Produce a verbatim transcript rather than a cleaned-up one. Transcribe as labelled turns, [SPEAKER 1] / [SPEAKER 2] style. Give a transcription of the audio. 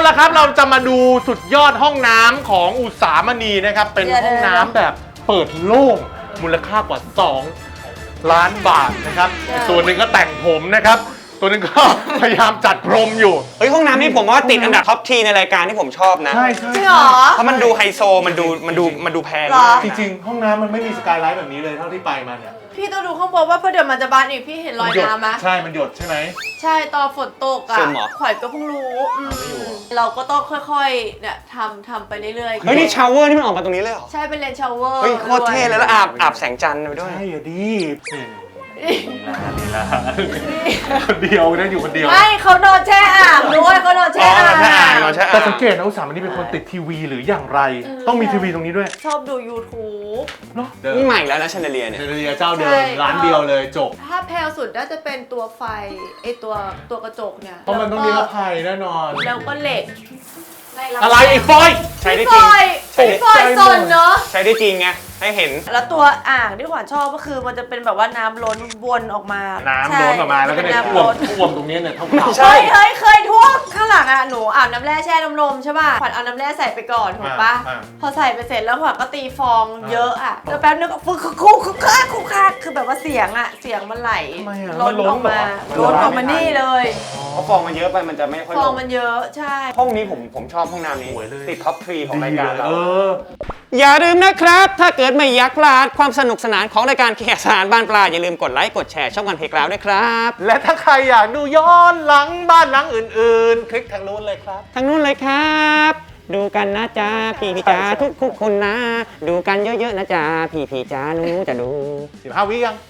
[SPEAKER 1] ละครับเราจะมาดูสุดยอดห้องน้ำของอุษามณีนะครับเป็นห้องน้ำแบบเปิดโล่งมูลค่ากว่าสองล้านบาทนะครับส่วนหนึ่งก็แต่งผมนะครับตัวนึงก็พยายามจัดพรมอยู่
[SPEAKER 2] เฮ้ยห้องน้ำนี่ผมว่าติดอันดับท็อปทีในรายการที่ผมชอบนะ
[SPEAKER 1] ใช่ใช่
[SPEAKER 3] จริงเหรอ
[SPEAKER 2] เพราะมันดูไฮโซมันดูมันดูมันดูแพง
[SPEAKER 1] จริงๆห้องน้ำมันไม่มีสกายไลท์แบบนี้เลยเท่าที่ไปมาเนี่ย
[SPEAKER 3] พี่ต้องดูข้างบนว่าเพราะเดี๋ยวมันจะบานอีกพี่เห็นรอยน้ำไหม
[SPEAKER 1] ใช่มันหยดใช่ไหม
[SPEAKER 3] ใช่ตอนฝนตกอ่ะขวัญก็เพิ่งรู้เราก็ต้องค่อยๆเนี่ยทำทำไปเรื่อยๆ
[SPEAKER 2] เฮ้ยนี่ชาวเวอร์นี่มันออกมาตรงนี้เลยเหรอ
[SPEAKER 3] ใช่เป็นเลนชาวเวอร์
[SPEAKER 2] เฮ้ยโคตรเท่เลยแล้วอาบอาบแสงจันทร์ไปด้วย
[SPEAKER 1] ใช่ดีนี่ละคนเดียวนะอยู่คนเดียว
[SPEAKER 3] ไม่เขานอนแช่อ่างด้วยเขานอนแช่อ่าง
[SPEAKER 1] แต่สังเกตนะอุษามณีเป็นคนติดทีวีหรืออย่างไรต้องมีทีวีตรงนี้ด้วย
[SPEAKER 3] ชอบดู YouTube
[SPEAKER 1] เนาะ
[SPEAKER 2] นี่ใหม่แล้วนะแชนเดเลียเนี่ย
[SPEAKER 1] เชนเดียเจ้าเดิมร้านเดียวเลยจบ
[SPEAKER 3] ถ้าแพลสุดน่าจะเป็นตัวไฟไอตัวตัวกระจกเนี่ย
[SPEAKER 1] เพราะมันต้องมีระภัยแน่นอน
[SPEAKER 3] แล้วก็เหล็ก
[SPEAKER 1] อะไรไอ้ฟอย
[SPEAKER 2] ใช้ได้จริง
[SPEAKER 3] ใช้ฟอยซนเนาะ
[SPEAKER 2] ใช้ได้จริงไงให้เห็น
[SPEAKER 3] แล้วตัวอ่างที่ขวัญชอบก็คือมันจะเป็นแบบว่าน้ำล้นวนออกมา
[SPEAKER 1] น้ำล้นออกมาแล้วก็เนี่ยท่วมท่วมตรงนี้เนี่ยเท่าเท่า
[SPEAKER 3] ใช่เฮ้ยเคยท่วมข้างหลังอ่ะหนูอาบน้ำแร่แช่น้ำลมใช่ป่ะขวัญเอาน้ำแร่ใส่ไปก่อนถูกปะพอใส่ไปเสร็จแล้วขวัญก็ตีฟองเยอะอ่ะแล้วแป๊บนึงก็ฟุ๊กคุกคุกคุกคุกคักคือแบบว่าเสียงอ่ะเสียงมันไหลล้นออกมาล้นออกมานี่เลย
[SPEAKER 2] เพราะฟองมันเยอะไปมันจะไม่ค่อย
[SPEAKER 3] ฟองมันเยอะใช่
[SPEAKER 2] ห้องนี้ผมผมชอบห้องน้ำนี้ติดท็อปทรีของรายการเรา
[SPEAKER 1] อ
[SPEAKER 2] อย่าลืมนะครับถ้าเกิดไม่อยากพลาดความสนุกสนานของรายการเคสารบ้านปลาอย่าลืมกดไลค์กดแชร์ช่องวันเพลกราวด้วยครับ
[SPEAKER 1] และถ้าใครอยากดูย้อนหลังบ้านหลังอื่นๆคลิกทางนู้นเลยครับ
[SPEAKER 2] ทางนู้นเลยครับดูกันนะจ๊ะพี่พี่จ๋าทุกทุกคนนะดูกันเยอะๆนะจ๊ะพี่พี่จ๋าหนูจะดู
[SPEAKER 1] สิบห้าวิยัง